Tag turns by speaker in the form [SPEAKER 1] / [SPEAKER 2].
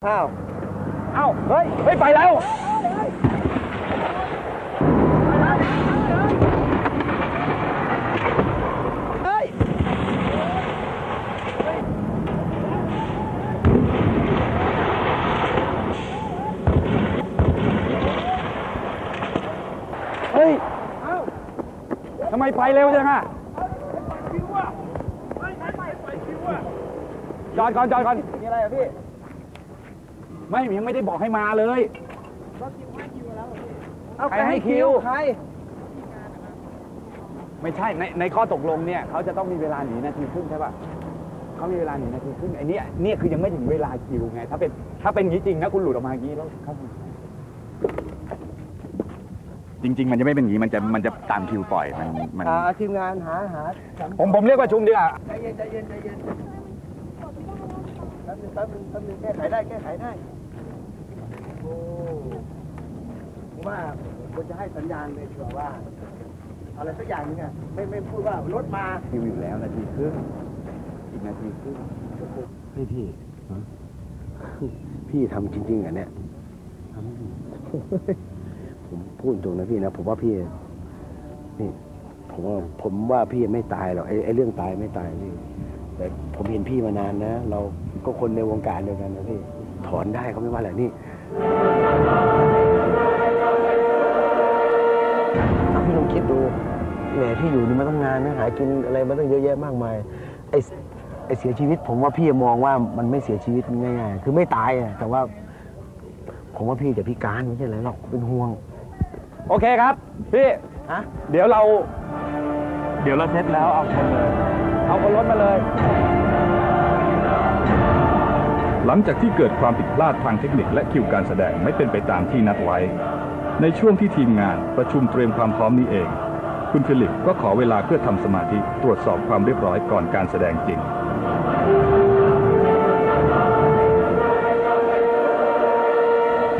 [SPEAKER 1] อ้าว
[SPEAKER 2] เฮ้ยไปแล้วเฮ้ยทำไมไปเร็วจังอะจอดก่อน
[SPEAKER 1] มีอะไรอ่ะพี่
[SPEAKER 2] ยังไม่ได้บอกให้มาเลยใครให้คิว
[SPEAKER 1] ใคร
[SPEAKER 2] ไม่ใช่ในข้อตกลงเนี่ยเขาจะต้องมีเวลาหนีนาทีครึ่งใช่ป่ะเขามีเวลาหนีนาทีครึ่งไอ้นี่คือยังไม่ถึงเวลาคิวไงถ้าเป็นอย่างนี้จริงนะคุณหลุดออกมาอย่างนี้แล้วจริงมันจะไม่เป็นอย่างนี้มันจะตามคิวปล่อยมัน
[SPEAKER 1] ทีมงานหา
[SPEAKER 2] ผมเรียกว่าชุมดีกว่า
[SPEAKER 1] ใจเย็นแป๊บนึงแก้ไขได้โอ้ผมว่าควรจะให้สัญญาณเลยดีกว่าว่าอะไรสักอย่างนึงอ่ะไม่พูดว่ารถมา
[SPEAKER 2] คิวอยู่แล้วนาทีครึ่งอีกนาทีครึ่ง
[SPEAKER 1] พี่ทำจริงๆอ่ะเนี่ยผมพูดตรงนะพี่นะผมว่าพี่นี่ผมว่าพี่ไม่ตายหรอกไอ้เรื่องตายไม่ตายพี่แต่ผมเห็นพี่มานานนะเราก็คนในวงการเดียวกันนะพี่ถอนได้เขาไม่ว่าอะไรนี่พี่ลองคิดดูแหมพี่อยู่นี่มาตั้งนานนะหากินอะไรมาตั้งเยอะแยะมากมายไอ้เสียชีวิตผมว่าพี่มองว่ามันไม่เสียชีวิตง่ายๆคือไม่ตายอะแต่ว่าผมว่าพี่จะพิการไม่ใช่อะไรหรอกเป็นห่วง
[SPEAKER 2] โอเคครับพี่เดี๋ยวเราเซ็ตแล้วเอาคนรถมาเลย
[SPEAKER 3] หลังจากที่เกิดความผิดพลาดทางเทคนิคและคิวการแสดงไม่เป็นไปตามที่นัดไว้ในช่วงที่ทีมงานประชุมเตรียมความพร้อมนี้เองคุณฟิลิปก็ขอเวลาเพื่อทำสมาธิตรวจสอบความเรียบร้อยก่อนการแสดงจริง